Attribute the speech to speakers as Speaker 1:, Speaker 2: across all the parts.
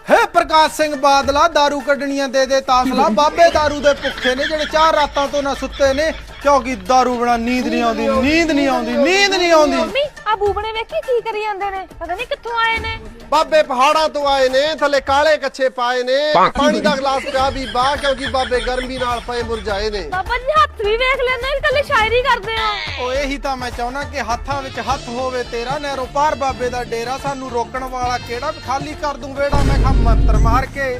Speaker 1: ਹੈ ਪ੍ਰਕਾਸ਼ ਸਿੰਘ ਬਾਦਲਾ दारू ਕੱਢਣੀਆਂ ਦੇ ਤਾਸਲਾ ਬਾਬੇ दारू ਦੇ ਭੁੱਖੇ ਨੇ ਜਿਹੜੇ 4 ਰਾਤਾਂ ਤੋਂ ਨਾ ਸੁੱਤੇ ਨੇ ਕਿਉਂਕਿ दारू ਬਣਾ ਨੀਂਦ ਨਹੀਂ ਆਉਂਦੀ
Speaker 2: ਮੰਮੀ ਆ ਬੂਬਣੇ ਵੇਖੀ ਕੀ ਕਰੀ ਜਾਂਦੇ ਨੇ ਪਤਾ ਨਹੀਂ ਕਿੱਥੋਂ ਆਏ ਨੇ
Speaker 3: ਬਾਬੇ ਪਹਾੜਾਂ ਤੋਂ ਆਏ ਨੇ ਥੱਲੇ ਕਾਲੇ ਕੱਛੇ ਪਾਏ ਨੇ ਪਾਣੀ ਦਾ ਗਲਾਸ ਪਿਆ ਵੀ ਬਾਹ ਕਿਉਂਕਿ ਬਾਬੇ ਗਰਮੀ ਨਾਲ ਪਏ ਮੁਰਝਾਏ ਨੇ
Speaker 2: ਬਾਬਾ ਜੀ ਹੱਥ ਵੀ ਵੇਖ ਲੈਂਦੇ ਕੱਲੇ ਸ਼ਾਇਰੀ ਕਰਦੇ ਹੋ
Speaker 1: ਓ ਇਹੀ ਤਾਂ ਮੈਂ ਚਾਹੁੰਦਾ ਕਿ ਹੱਥਾਂ ਵਿੱਚ ਹੱਥ ਹੋਵੇ ਤੇਰਾ ਨਹਿਰੋਂ ਪਾਰ ਬਾਬੇ ਦਾ ਡੇਰਾ ਸਾਨੂੰ ਰੋਕਣ ਵਾਲਾ ਕਿਹੜਾ ਖਾਲੀ ਕਰ ਦੂੰ ਵੇੜਾ ਮੈਂ ਖਾ ਮੰਤਰ ਮਾਰ ਕੇ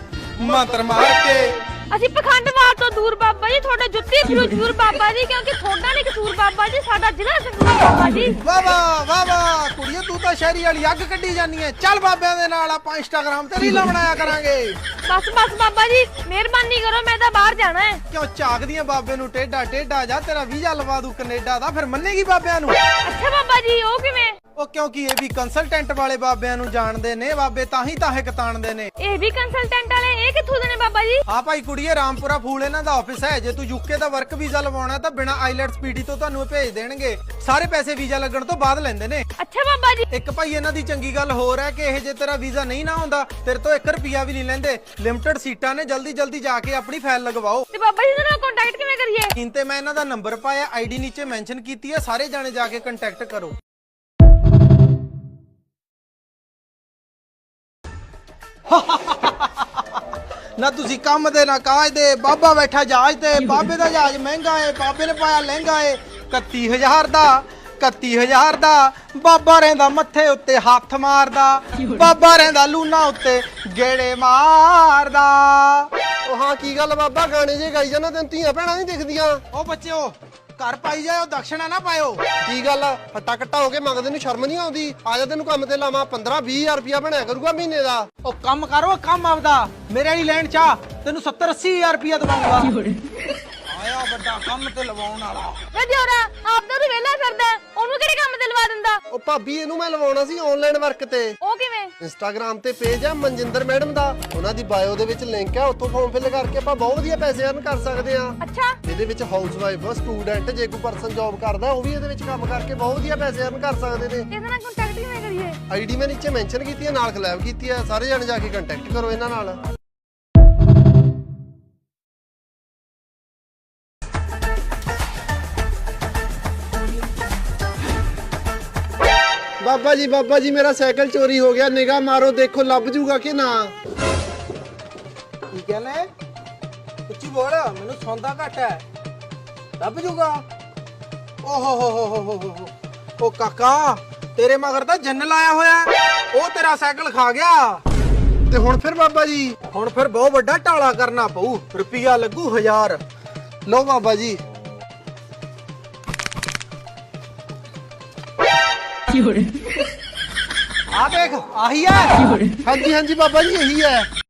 Speaker 2: ਅਸੀਂ ਪਖੰਡਵਾਦ ਤੋਂ ਦੂਰ ਬਾਬਾ ਜੀ ਤੁਹਾਡੇ ਜੁੱਤੀ ਜ਼ਰੂਰ ਬਾਬਾ ਜੀ ਕਿਉਂਕਿ ਤੁਹਾਡਾ ਨਹੀਂ ਕਸੂਰ ਬਾਬਾ ਜੀ ਸਾਡਾ ਜ਼ਿਲ੍ਹਾ ਸੰਗਰੂਰ ਬਾਬਾ ਜੀ
Speaker 1: ਵਾਹ ਵਾਹ ਕੁੜੀਏ ਤੂੰ ਤਾਂ ਸ਼ਹਿਰੀ ਵਾਲੀ ਅੱਗ ਕੱਢੀ ਜਾਨੀ ਐ ਚੱਲ ਬਾਬਿਆਂ ਦੇ ਨਾਲ ਆਪਾਂ ਇੰਸਟਾਗ੍ਰਾਮ ਤੇ ਰੀਲਾਂ ਬਣਾਇਆ ਕਰਾਂਗੇ
Speaker 2: ਬਸ ਬਾਬਾ ਜੀ ਮਿਹਰਬਾਨੀ ਕਰੋ ਮੈਂ ਤਾਂ ਬਾਹਰ ਜਾਣਾ ਹੈ
Speaker 1: ਕਿਉਂ ਝਾਕਦੀਆਂ ਬਾਬੇ ਨੂੰ ਟੇਡਾ ਜਾ ਤੇਰਾ ਵੀਜ਼ਾ ਲਵਾ ਦੂ ਕੈਨੇਡਾ ਦਾ ਫਿਰ ਮੰਨੇਗੀ ਬਾਬਿਆਂ ਨੂੰ
Speaker 2: ਅੱਛਾ ਬਾਬਾ ਜੀ ਉਹ ਕਿਵੇਂ
Speaker 1: ਉਹ ਕਿਉਂਕਿ ਇਹ ਵੀ ਕੰਸਲਟੈਂਟ ਵਾਲੇ ਬਾਬਿਆਂ ਨੂੰ ਜਾਣਦੇ ਨੇ ਬਾਬੇ ਤਾਂ ਹੀ ਕਤਾਣਦੇ ਨੇ
Speaker 2: ਇਹ ਵੀ ਕੰਸਲਟੈਂਟ ਵਾਲੇ ਇਹ ਕਿੱਥੋਂ ਦੇ ਨੇ ਬਾਬਾ ਜੀ
Speaker 1: ਹਾਂ ਭਾਈ ਕੁੜੀਏ ਰਾਮਪੁਰਾ ਫੂਲ ਇਹਨਾਂ ਦਾ ਆਫਿਸ ਹੈ ਜੇ ਤੂੰ ਯੂਕੇ ਦਾ ਵਰਕ ਵੀਜ਼ਾ ਲਵਾਉਣਾ ਤਾਂ ਬਿਨਾ ਆਈਲੈਟਸ ਪੀਡੀ ਤੋਂ ਤੁਹਾਨੂੰ ਭੇਜ ਦੇਣਗੇ ਸਾਰੇ ਪੈਸੇ ਵੀਜ਼ਾ ਲੱਗਣ ਤੋਂ ਬਾਅਦ ਲੈਂਦੇ ਨੇ
Speaker 2: ਅੱਛਾ ਬਾਬਾ ਜੀ
Speaker 1: ਇੱਕ ਭਾਈ ਇਹਨਾਂ ਦੀ ਚੰਗੀ ਗੱਲ ਹੋਰ ਹੈ ਕਿ ਇਹ ਜੇ ਤੇਰਾ ਵੀਜ਼ਾ ਨਹੀਂ ਨਾ ਹੁੰਦਾ ਤੇਰੇ ਤੋਂ 1 ਰੁਪਿਆ ਵੀ ਨਹੀਂ ਲੈਂਦੇ ਲਿਮਟਿਡ ਸੀਟਾਂ ਨੇ ਜਲਦੀ ਜਾ ਕੇ ਆਪਣੀ ਫਾਈਲ ਲਗਵਾਓ
Speaker 2: ਤੇ ਬਾਬਾ ਜੀ ਨਾਲ ਕੰਟੈਕਟ ਕਿਵੇਂ ਕਰੀਏ
Speaker 1: ਸਕਰੀਨ ਤੇ ਮੈਂ ਇਹਨਾਂ ਦਾ ਨੰਬਰ ਪਾਇਆ ਆਈਡੀ ਨੀਚੇ ਮੈਂਸ਼ਨ ਕੀਤੀ ਹੈ ਸਾਰੇ ਜਾਣੇ ਜਾ ਕੇ ਕੰਟੈਕਟ ਕਰੋ ਨਾ ਤੁਸੀਂ ਕੰਮ ਦੇ ਨਾ ਕਾਜ ਦੇ ਬਾਬਾ ਬੈਠਾ ਜਹਾਜ਼ ਤੇ ਬਾਬੇ ਦਾ ਜਹਾਜ਼ ਮਹਿੰਗਾ ਏ ਬਾਬੇ ਨੇ ਪਾਇਆ ਲਹਿੰਗਾ ਏ 31000 ਦਾ ਬਾਬਾ ਰਹਿੰਦਾ ਮੱਥੇ ਉੱਤੇ ਹੱਥ ਮਾਰਦਾ ਬਾਬਾ ਰਹਿੰਦਾ ਲੂਨਾ ਉੱਤੇ ਗੇੜੇ ਮਾਰਦਾ
Speaker 3: ਉਹ ਹਾਂ ਕੀ ਗੱਲ ਬਾਬਾ ਗਾਣੇ ਜੇ ਗਾਈ ਜਾਂਦਾ ਤੈਨੂੰ ਧੀਆਂ ਭੈਣਾਂ ਨਹੀਂ ਦਿਖਦੀਆਂ
Speaker 1: ਉਹ ਬੱਚਿਓ ਘਰ ਪਾਈ ਜਾਓ ਦਕਸ਼ਣਾ ਨਾ ਪਾਇਓ
Speaker 3: ਕੀ ਗੱਲ ਹੱਟਾ ਕੱਟਾ ਹੋ ਕੇ ਮੰਗਦੇ ਨੂੰ ਸ਼ਰਮ ਨਹੀਂ ਆਉਂਦੀ ਆ ਜਾ ਤੈਨੂੰ ਕੰਮ ਤੇ ਲਾਵਾਂ 15-20000 ਰੁਪਇਆ ਬਣਿਆ ਕਰੂਗਾ ਮਹੀਨੇ ਦਾ
Speaker 1: ਉਹ ਕੰਮ ਕਰੋ ਕੰਮ ਆਪਦਾ ਮੇਰੇ ਵਾਲੀ ਲੈਣ ਚਾ ਤੈਨੂੰ 70-80 ਹਜ਼ਾਰ ਰੁਪਇਆ ਦਵਾਉਂਗਾ ਆਇਆ ਵੱਡਾ ਕੰਮ ਤੇ ਲਵਾਉਣ ਵਾਲਾ
Speaker 2: ਵੇ ਦਿਓਰਾ ਆਪਦਾ ਤੂੰ ਵਿਹਲਾ ਫਿਰਦਾ ਉਹਨੂੰ ਕਿਹੜੇ ਕੰਮ ਤੇ ਲਵਾ ਦਿੰਦਾ
Speaker 3: ਉਹ ਭਾਬੀ ਇਹਨੂੰ ਮੈਂ ਲਵਾਉਣਾ ਸੀ ਆਨਲਾਈਨ ਵਰਕ ਤੇ
Speaker 2: ਉਹ ਕਿਵੇਂ
Speaker 3: ਇੰਸਟਾਗ੍ਰਾਮ ਤੇ ਪੇਜ ਆ ਮਨਜਿੰਦਰ ਮੈਡਮ ਦਾ ਉਹਨਾਂ ਦੀ ਬਾਇਓ ਦੇ ਵਿੱਚ ਲਿੰਕ ਹੈ ਉੱਥੋਂ ਫਾਰਮ ਫਿਲ ਕਰਕੇ ਆਪਾਂ ਬਹੁਤ ਵਧੀਆ ਪੈਸੇ ਅਰਨ ਕਰ ਸਕਦੇ ਆ
Speaker 2: ਅੱਛਾ
Speaker 3: ਇਹਦੇ ਵਿੱਚ ਹਾਊਸ ਵਾਈਫ ਸਟੂਡੈਂਟ ਜੇ ਕੋਈ ਪਰਸਨ ਜੌਬ ਕਰਦਾ ਉਹ ਵੀ ਇਹਦੇ ਵਿੱਚ ਕੰਮ ਕਰਕੇ ਬਹੁਤ ਵਧੀਆ ਪੈਸੇ ਅਰਨ ਕਰ ਸਕਦੇ ਨੇ
Speaker 2: ਇਹਦੇ ਨਾਲ ਕੰਟੈਕਟ ਕਿਵੇਂ ਕਰੀਏ
Speaker 3: ਆਈਡੀ ਮੈਂ ਨੀਚੇ ਮੈਂਸ਼ਨ ਕੀਤੀ ਹੈ ਨਾਲ ਕਲੈਬ ਕੀਤੀ ਹੈ ਸਾਰੇ ਜਣੇ ਜਾ ਕੇ ਕੰਟੈਕਟ ਕਰੋ ਇਹਨਾਂ ਨਾਲ ਬਾਬਾ ਜੀ ਮੇਰਾ ਸਾਈਕਲ ਚੋਰੀ ਹੋ ਗਿਆ ਨਿਗਾਹ ਮਾਰੋ ਦੇਖੋ ਲੱਭ ਜੂਗਾ ਕਿ ਨਾ
Speaker 1: ਕੀ ਕਹਿੰਦੇ ਉੱਚੀ ਬੋਲ ਮੈਨੂੰ ਸੌਂਦਾ ਘੱਟ ਹੈ ਲੱਭ ਜੂਗਾ ਓਹ ਹੋ ਉਹ ਕਾਕਾ ਤੇਰੇ ਮਗਰ ਤਾਂ ਜੰਨ ਲਾਇਆ ਹੋਇਆ ਉਹ ਤੇਰਾ ਸਾਈਕਲ ਖਾ ਗਿਆ
Speaker 3: ਤੇ ਹੁਣ ਫਿਰ ਬਾਬਾ ਜੀ
Speaker 1: ਹੁਣ ਫਿਰ ਬਹੁਤ ਵੱਡਾ ਢਾਲਾ ਕਰਨਾ ਪਊ ਰੁਪਿਆ ਲੱਗੂ 1000
Speaker 3: ਲਓ ਬਾਬਾ ਜੀ
Speaker 1: ਆ ਦੇਖ ਆਹੀ ਹੈ
Speaker 3: ਹਾਂਜੀ ਬਾਬਾ ਜੀ ਇਹੀ ਹੈ